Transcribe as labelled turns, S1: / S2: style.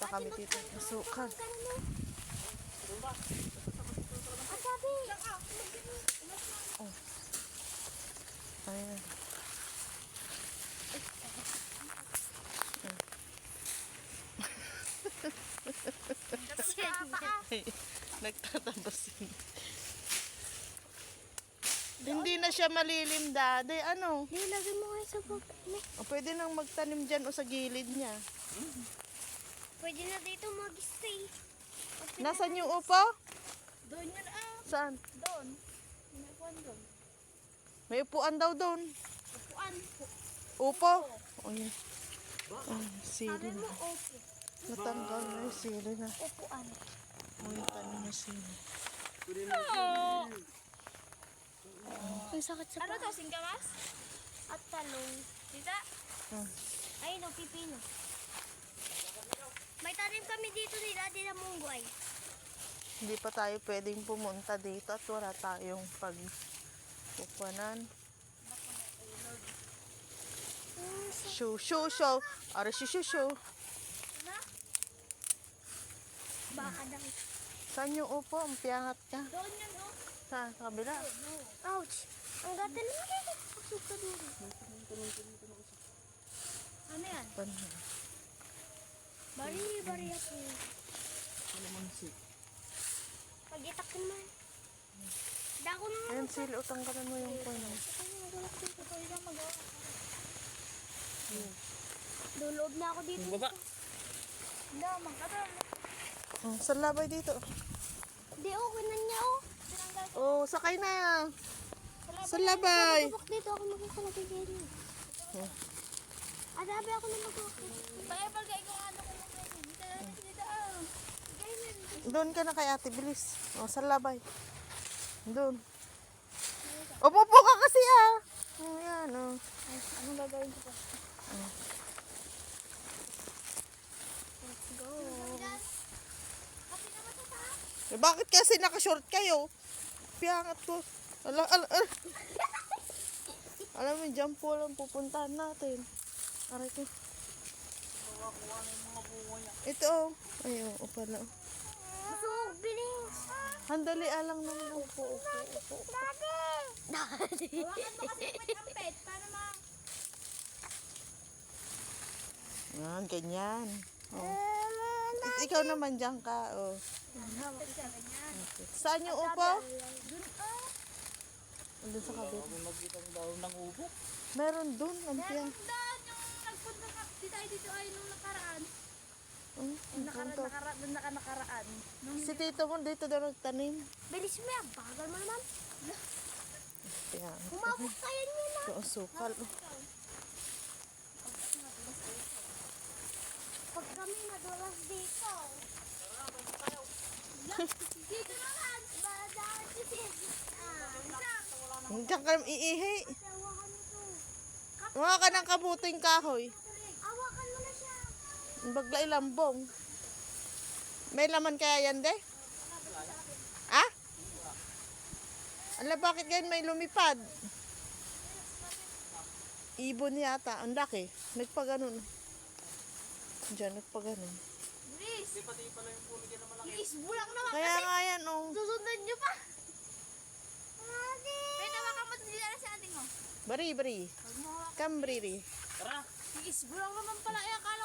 S1: pa kami dito. Masukal. Oh. Ayan. Nagtatabasin. Hindi na siya malilim, Daddy. Ano?
S2: Nilagay mo kayo sa bag.
S1: O, pwede nang magtanim dyan o sa gilid niya.
S2: Pwede na dito mag-stay.
S1: Nasaan yung upo?
S2: Doon yun
S1: Saan?
S2: Doon. May upuan doon.
S1: May upuan daw doon.
S2: Upuan.
S1: Upo? O, yun. Ay, sili
S2: Sabi mo,
S1: na.
S2: opo.
S1: Natanggal na yung sili na.
S2: Upuan.
S1: O, yung tanim na sili.
S2: Ang sakit sa ano to, singkamas? At talong. Tita?
S1: Hmm.
S2: Ayun o, pipino. May tanim kami dito ni Daddy na munggoy.
S1: Hindi pa tayo pwedeng pumunta dito at wala tayong pagpupuanan. Shoo, shoo, shoo. Ara, shoo, shoo, shoo.
S2: Baka daw.
S1: Saan yung upo? Piangat ka.
S2: Doon yun o.
S1: Sa kabila.
S2: Ouch! Ang gata naman. Pasok ka doon. Ano yan? Bari ako. Pag-itak ko naman. Dako naman.
S1: Ayan, sili. Utanggalan mo yung puno.
S2: Luloob na ako dito.
S3: Baba.
S2: Hindi, magkataon.
S1: Sa labay dito.
S2: Hindi, okay na niya o.
S1: Oh, sakay na. Sa labay.
S2: Pagpapok dito ako magkakalagay dito. Adabi ako na magkakalagay. Pagkakapagay ko ano ko magkakalagay. Dito na dito ah.
S1: Doon ka na kay ate, bilis. Oh, sa labay. Doon. Umupo ka kasi ah. Oh, yan oh.
S2: Ay, anong gagawin ko pa? Let's go.
S1: Eh, bakit kasi nakashort kayo? Piangat ko. Ala. Alam mo, dyan po lang pupuntahan natin. Aray ko. Ito oh. Ay, oo pala.
S2: So, bilis.
S1: Handali alang naman. Upo.
S2: Daddy! Daddy! Hawakan mo kasi ampet para ma...
S1: Yan, ganyan. Oh. Ikaw naman dyan ka. Oh. Okay. Saan yung upo? Doon sa kabit.
S3: Magkitang daw ng ubo.
S1: Meron doon. Antiyan.
S2: Doon yung nagpunta ka dito ay nung nakaraan. Doon nakaraan.
S1: Si tito mo dito daw nagtanim.
S2: Bilis mo yan. Bagal mo naman.
S1: Yan.
S2: Humawak kayo niyo na.
S1: Ito ang sukal.
S2: Pag kami nadulas dito. Dito naman. Badaan kasi.
S1: Diyan ka iihi.
S2: Hawakan mo to.
S1: Mga ka ng kabuting kahoy.
S2: Hawakan mo na siya.
S1: Bagla ilambong. May laman kaya yan, de? Ah? Ala, bakit ganyan may lumipad? Ibon yata. Ang laki. Nagpaganon. Diyan, nagpaganon.
S2: Bilis. Bilis. Bulak naman
S1: Kaya
S2: kasi.
S1: nga yan, oh.
S2: Susundan nyo pa. Pwede tawakan mo sila na si ating mo.
S1: Bari. Kambriri.
S3: Tara.
S2: Bilis. Bulak naman pala. Akala